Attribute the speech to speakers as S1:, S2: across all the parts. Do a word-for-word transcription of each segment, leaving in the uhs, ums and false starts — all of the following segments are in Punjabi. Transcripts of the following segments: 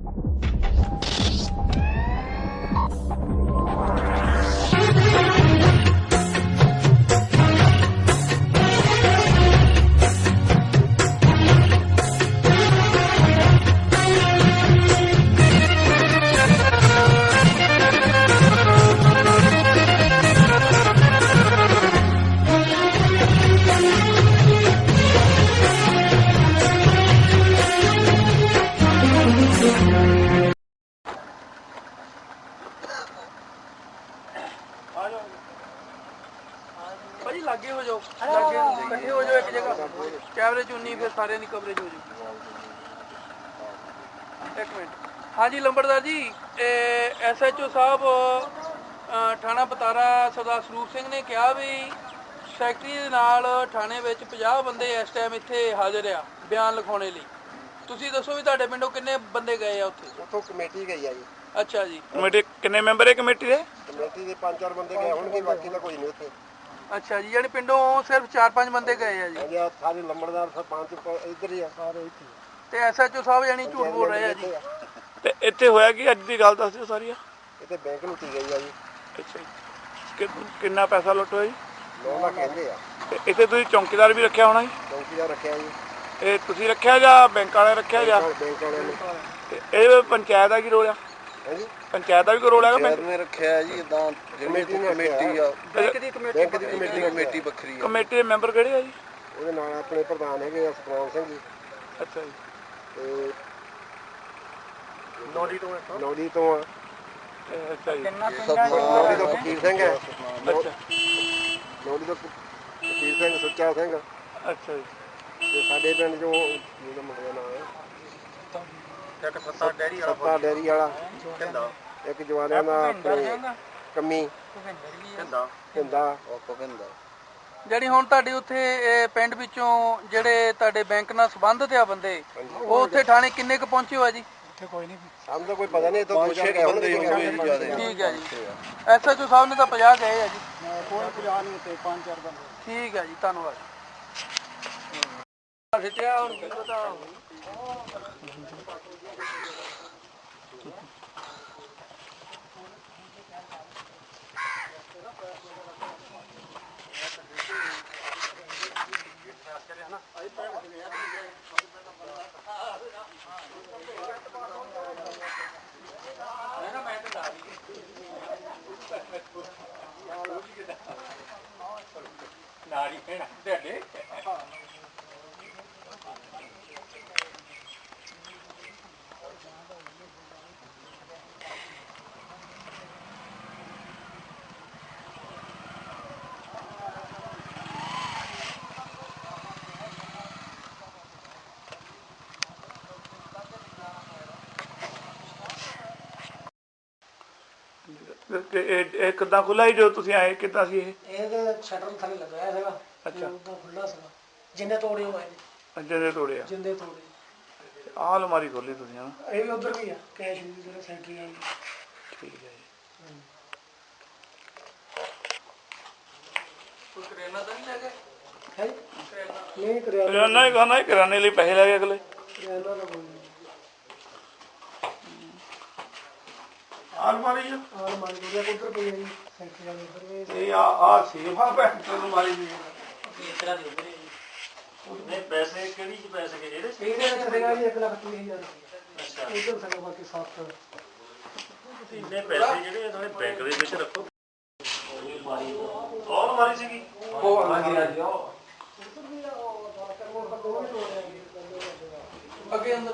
S1: भाजी लागे हो जाओ, लागे इकट्ठे हो जाओ एक जगह, कैमरे चुनी फिर सारे की कवरेज हो जाएगी। एक मिनट। हाँ जी लंबड़दार जी, एस एच ओ साहब थाना बतारा सरदार स्वरूप सिंह ने कहा भी सैकटरी दे नाल थाने विच पचास बंदे इस टाइम इत्थे हाजिर आ बयान लिखाने लई। तुसीं दसो भी तुहाडे पिंडों किन्ने बंदे गए आ उत्थे?
S2: उत्थों कमेटी गई है जी।
S1: अच्छा जी।
S3: कमेटी किन्ने मैंबर है कमेटी दे?
S2: कमेटी दे पांच चार बंदे गए होणगे, बाकी तो कोई नहीं उत्थे।
S1: अच्छा जी, यानी पिंडों सिर्फ चार पांच बंदे गए हैं जी?
S2: हाँ, सारे लंबड़दार सरपंच इधर ही है, सारे इत्थे।
S1: ते एस एच ओ साहब यानी झूठ बोल रहे हैं जी?
S3: ਤੇ ਇੱਥੇ ਹੋਇਆ ਕੀ ਅੱਜ ਦੀ ਗੱਲ ਦੱਸ ਦਿਓ ਸਾਰੀ।
S2: ਇੱਥੇ ਬੈਂਕ ਲੁੱਟੀ ਗਈ ਆ ਜੀ।
S3: ਅੱਛਾ ਜੀ, ਕਿ ਕਿੰਨਾ ਪੈਸਾ ਲੁੱਟ ਹੋਇਆ ਜੀ?
S2: ਨੌ ਲੱਖ ਕਹਿੰਦੇ ਆ।
S3: ਤੇ ਇੱਥੇ ਤੁਸੀਂ ਚੌਂਕੀਦਾਰ ਵੀ ਰੱਖਿਆ ਹੋਣਾ ਜੀ?
S2: ਚੌਂਕੀਦਾਰ ਰੱਖਿਆ ਜੀ।
S3: ਇਹ ਤੁਸੀਂ ਰੱਖਿਆ ਜਾਂ ਬੈਂਕ ਵਾਲੇ ਰੱਖਿਆ ਜਾਂ?
S2: ਬੈਂਕ ਵਾਲਿਆਂ ਨੇ।
S3: ਤੇ ਇਹ ਪੰਚਾਇਤ ਦਾ ਕੀ ਰੋਲ ਆ?
S2: ਹਾਂਜੀ,
S3: ਪੰਚਾਇਤ ਦਾ ਵੀ ਕੋਈ ਰੋਲ ਹੈਗਾ?
S2: ਪੰਚਾਇਤ ਨੇ ਰੱਖਿਆ ਜੀ, ਇਦਾਂ ਜਿਹੜੀ ਕਮੇਟੀ ਆ,
S1: ਬੈਂਕ ਦੀ ਕਮੇਟੀ
S2: ਬੈਂਕ ਦੀ ਕਮੇਟੀ ਕਮੇਟੀ ਵੱਖਰੀ ਆ।
S3: ਕਮੇਟੀ ਦੇ ਮੈਂਬਰ ਕਿਹੜੇ ਆ ਜੀ?
S2: ਉਹਦੇ ਨਾਲ ਆਪਣੇ ਪ੍ਰਧਾਨ ਹੈਗੇ ਆ ਸਤਨਾਮ ਸਿੰਘ ਜੀ।
S3: ਅੱਛਾ ਜੀ।
S2: ਤੇ
S1: ਨੌੜੀ ਤੋਂ
S2: ਨੌੜੀ ਤੋਂ ਆ।
S3: ਅੱਛਾ ਜੀ।
S2: ਨੌੜੀ ਤੋਂ ਫਕੀਰ ਸਿੰਘ ਹੈ।
S3: ਅੱਛਾ।
S2: ਨੌੜੀ ਤੋਂ ਫਕੀਰ ਸਿੰਘ, ਸੁੱਚਾ ਸਿੰਘ।
S3: ਅੱਛਾ ਜੀ।
S2: ਤੇ ਸਾਡੇ ਪਿੰਡ ਚੋਂ ਜਿਹਦਾ ਮੁੰਡੇ ਦਾ ਨਾਮ ਹੈ ਇੱਕ ਸੱਤਾ ਡੈਰੀ ਵਾਲਾ, ਸੱਤਾ ਡੈਰੀ ਵਾਲਾ ਕਹਿੰਦਾ, ਇੱਕ ਜਵਾਨਾਂ ਦਾ ਆਪਣੇ ਕੰਮੀ ਕਹਿੰਦਾ ਕਹਿੰਦਾ ਉਹ ਕਹਿੰਦਾ।
S1: ਜਿਹੜੀ ਹੁਣ ਤੁਹਾਡੇ ਉੱਥੇ ਪਿੰਡ ਵਿੱਚੋਂ ਜਿਹੜੇ ਤੁਹਾਡੇ ਬੈਂਕ ਨਾਲ ਸੰਬੰਧਿਤ ਆ ਬੰਦੇ, ਉਹ ਉੱਥੇ ਥਾਣੇ ਕਿੰਨੇ ਕੁ ਪਹੁੰਚੇ ਹੋ ਆ ਜੀ? ਉੱਥੇ ਕੋਈ ਨਹੀਂ, ਸਾਨੂੰ ਤਾਂ ਕੋਈ ਪਤਾ ਨਹੀਂ। ਦੋ ਚਾਰ ਗਏ ਹੋਣਗੇ। ਠੀਕ ਹੈ ਜੀ। ਐਸ ਐਚ ਓ ਸਾਹਿਬ ਨੇ ਤਾਂ ਪੰਜਾਹ ਗਏ ਆ ਜੀ। ਕੋਈ ਪੰਜਾਹ ਨਹੀਂ ਉੱਤੇ, ਪੰਜ ਚਾਰ ਬੰਦੇ। ਠੀਕ ਹੈ ਜੀ, ਧੰਨਵਾਦ। ਸਿੱਟਿਆ ਹੁਣ ਕੀ ਪਤਾ। ਨਾਰੀ ਭੈਣਾ ਤੁਹਾਡੇ
S3: ਇਹ ਕਿੱਦਾਂ ਖੁੱਲਾ ਹੀ ਜੋ ਤੁਸੀਂ ਆਏ ਕਿੱਦਾਂ ਸੀ? ਇਹ
S4: ਇਹ ਸ਼ਟਰ ਥੱਲੇ ਲਗਾਇਆ ਸੀਗਾ।
S3: ਅੱਛਾ,
S4: ਉਦੋਂ ਖੁੱਲਾ ਸੀਗਾ। ਜਿੰਨੇ ਤੋੜੇ ਹੋਏ ਨੇ,
S3: ਜਿੰਦੇ ਤੋੜੇ ਆ,
S4: ਜਿੰਦੇ ਤੋੜੇ।
S3: ਆਹ ਅਲਮਾਰੀ ਖੋਲੀ ਤੁਸੀਂ ਹਨਾ?
S4: ਇਹ ਵੀ ਉਧਰ ਵੀ ਆ, ਕੈਸ਼ ਵੀ ਜਿਹੜਾ ਸੈਂਟਰੀ ਵਾਲੀ।
S3: ਠੀਕ ਹੈ ਜੀ।
S1: ਕੋਈ ਕਰਿਆਨਾ ਤਾਂ ਨਹੀਂ ਲੈ ਗਏ?
S4: ਹੈ ਨਹੀਂ ਕਰਿਆਨਾ,
S3: ਕਰਿਆਨਾ ਹੀ ਖਾਣਾ, ਕਰਿਆਨੇ ਲਈ ਪੈਸੇ ਲੈ ਗਏ ਅਗਲੇ।
S4: ਕਰਿਆਨਾ ਦਾ ਕੋਈ ਨਹੀਂ।
S3: ਅਲਮਾਰੀ ਆ
S4: ਅਲਮਾਰੀ ਜਿਹੜੀ ਉਧਰ ਪਈ ਹੈ ਜੀ, ਸੈਂਟਰੀ ਵਾਲੀ ਉਧਰ।
S3: ਇਹ ਆ ਆ ਸੇਫ ਆ ਬੈਂਕ ਅਲਮਾਰੀ ਦੀ।
S4: ਇਸ ਤਰ੍ਹਾਂ ਦੀ ਉਧਰ ਹੀ।
S5: ਨਹੀਂ ਪੈਸੇ ਕਿਹੜੀ ਚ ਪੈਸੇ ਗਏ ਇਹਦੇ ਚ?
S4: ਇਹਦੇ ਵਿੱਚ ਸੀਗਾ ਜੀ ਇੱਕ ਲੱਖ ਤੀਹ ਹਜ਼ਾਰ ਰੁਪਏ।
S5: ਅੱਛਾ,
S4: ਉਧਰ ਸੀਗਾ ਬਾਕੀ ਸੱਤ।
S5: ਤੁਸੀਂ ਇੰਨੇ ਪੈਸੇ ਜਿਹੜੇ ਆ ਸਾਰੇ ਬੈਂਕ ਦੇ ਵਿੱਚ ਰੱਖੋ। ਉਹ ਅਲਮਾਰੀ ਸੀਗੀ
S1: ਉਹ ਹਾਂਜੀ ਹਾਂਜੀ ਉਹ ਅੱਗੇ ਅੰਦਰ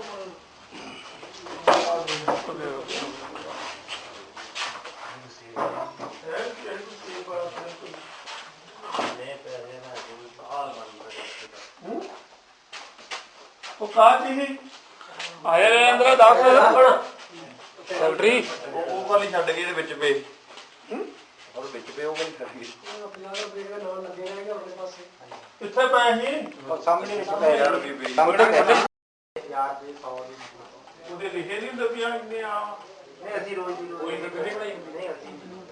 S3: ਉਹ ਕਾਹ ਚੀਜ਼ ਆਇਆ ਰੇ ਅੰਦਰ ਦੱਸ ਸੈਕਟਰੀ। ਉਹ ਵਾਲੀ ਛੱਡ ਗਈ ਇਹਦੇ ਵਿੱਚ ਪਏ, ਉਹ ਵਿੱਚ ਪਏ, ਉਹ ਵਾਲੀ ਛੱਡ ਗਈ।
S4: ਪੰਜਾਹ ਰੁਪਏ ਦਾ ਨਾਮ ਲੱਗੇ ਰਹਿਣਗੇ ਆਪਣੇ ਪਾਸੇ।
S3: ਕਿੱਥੇ ਪਏ ਸੀ?
S2: ਸਾਹਮਣੇ ਵਿੱਚ ਪੈ ਰਿਹਾ ਸਾਹਮਣੇ
S1: ਯਾਰ ਜੀ ਸੌ ਦੀ
S3: ਉਹਦੇ ਲਿਖੇ ਨਹੀਂ ਹੁੰਦੇ ਵੀ ਆ ਇੰਨੇ ਆ।
S1: ਨਹੀਂ ਅਸੀਂ ਰੋਜ਼ ਦੀ
S3: ਕੋਈ ਨਹੀਂ ਕਿਹੜੀ ਬਣਾਈ
S1: ਨਹੀਂ ਅਸੀਂ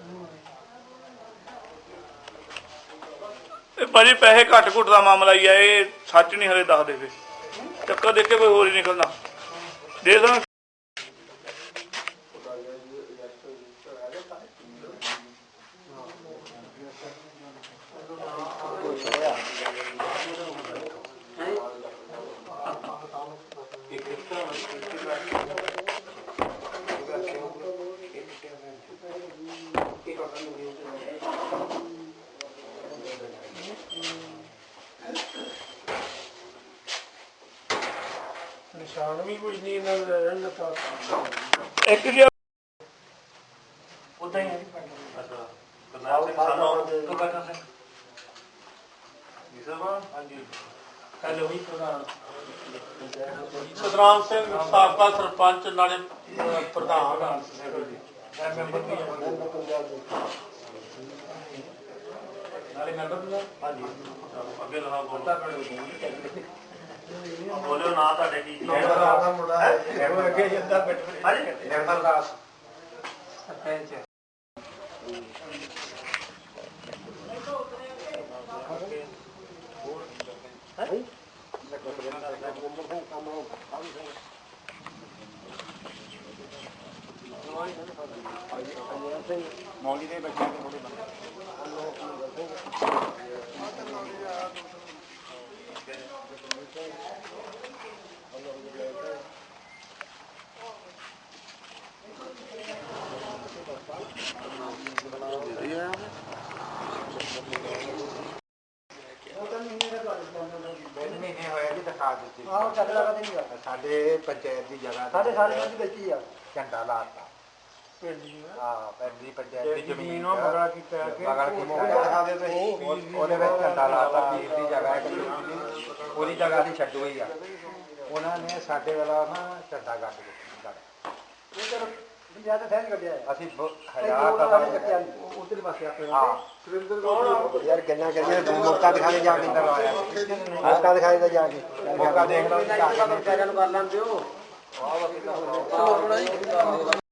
S3: ਇਹ ਭਾਜੀ ਪੈਸੇ ਘੱਟ ਘੁੱਟ ਦਾ ਮਾਮਲਾ ਹੀ ਆ, ਇਹ ਸੱਚ ਨਹੀਂ ਹਲੇ ਦੱਸਦੇ। ਫਿਰ ਚੱਕਰ ਦੇਖ ਕੇ ਕੋਈ ਹੋਰ ਹੀ ਨਿਕਲਣਾ। ਦੇ ਦੇਣਾ ਨਿਸ਼ਾਨ ਵੀ ਕੁਝ ਨਹੀਂ ਇਹਨਾਂ ਦਾ ਰਹਿਣ ਦਿੱਤਾ ਇੱਕ ਜਿਹਾ ਉਦਾਂ ਹੀ ਹੈ ਅੱਛਾ ਕਰਨਾਲ ਸਿੰਘ ਸਾਨੂੰ ਕਬਰ ਸਿੰਘ ਜੀ ਸਾਹਿਬ ਹਾਂਜੀ ਹੈਲੋ ਵੀ ਪ੍ਰਧਾਨ ਸਤਨਾਮ ਸਿੰਘ ਸਾਬਕਾ ਸਰਪੰਚ ਨਾਲੇ ਪ੍ਰਧਾਨ ਮੈਂਬਰ ਵੀ ਨਾਲੇ ਮੈਂਬਰ ਵੀ ਹਾਂਜੀ ਅੱਗੇ ਲਹਾ ਬੋਲਦਾ ਬੋਲਿਓ ਨਾ ਤੁਹਾਡੇ ਕੀ ਦਾ ਮੁੰਡਾ ਹੈ ਉਹ ਅੱਗੇ ਜਾਂਦਾ ਬਿੱਟ ਹਾਂਜੀ ਨਿਰਮਲ ਦਾਸ ਸਰਪੰਚ ਮੌਲੀ ਦੇ ਬੱਚਿਆਂ ਦੇ ਥੋੜੇ ਬੰਦੇ
S2: ਮਹੀਨੇ ਹੋਇਆ ਜੀ ਦਿਖਾ ਦਿੱਤੀ
S4: ਆਹ ਚੱਲ ਲਗਾ ਤੇ ਨਹੀਂ ਆ
S2: ਸਾਡੇ ਪੰਚਾਇਤ ਦੀ ਜਗ੍ਹਾ
S4: ਸਾਡੇ ਸਾਰੇ ਪਿੰਡ ਵਿੱਚ ਹੀ ਆ
S2: ਝੰਡਾ ਲਾਤਾ
S3: ਪਿੰਡ ਜੀ
S2: ਹਾਂ ਪਿੰਡੀ ਪੰਚਾਇਤ ਦੀ ਜ਼ਮੀਨ
S3: ਉਹ ਮਗਰਾ ਕੀ ਪੈ ਕੇ
S2: ਮਗਰ ਕੀ ਮੋਗਾ ਦਿਖਾ ਦਿਓ ਤੁਸੀਂ ਉਹਦੇ ਵਿੱਚ ਝੰਡਾ ਲਾਤਾ ਪੀਰ ਦੀ ਜਗ੍ਹਾ ਹੈ ਉਹਦੀ ਜਗ੍ਹਾ ਦੀ ਛੱਡ ਹੋਈ ਆ ਉਹਨਾਂ ਨੇ ਸਾਡੇ ਵਾਲਾ ਨਾ ਝੰਡਾ ਗੱਡ ਦਿੱਤਾ
S4: ਇਹ ਚਲੋ ਜਿਆਦਾ ਥੈਂਕ ਕੱਢਿਆ
S2: ਅਸੀਂ
S4: ਹਜ਼ਾਰ
S2: ਹਜ਼ਾਰ
S4: ਕੱਟਿਆ ਉਧਰ ਪਾਸੇ ਆਪਣੇ
S2: ਹਾਂ ਯਾਰ ਗੱਲਾਂ ਕਰੀਏ ਮੌਕਾ ਦਿਖਾਣੇ ਜਾ ਕੇ ਅੰਦਰ ਆਇਆ ਮੌਕਾ ਦਿਖਾਣੇ ਦਾ ਜਾ ਕੇ ਮੌਕਾ ਦੇਖ ਲਓ
S4: ਨੂੰ ਕਰ ਲੈਂਦੇ ਹੋ
S1: ਚਲੋ ਥੋੜਾ ਜਿਹਾ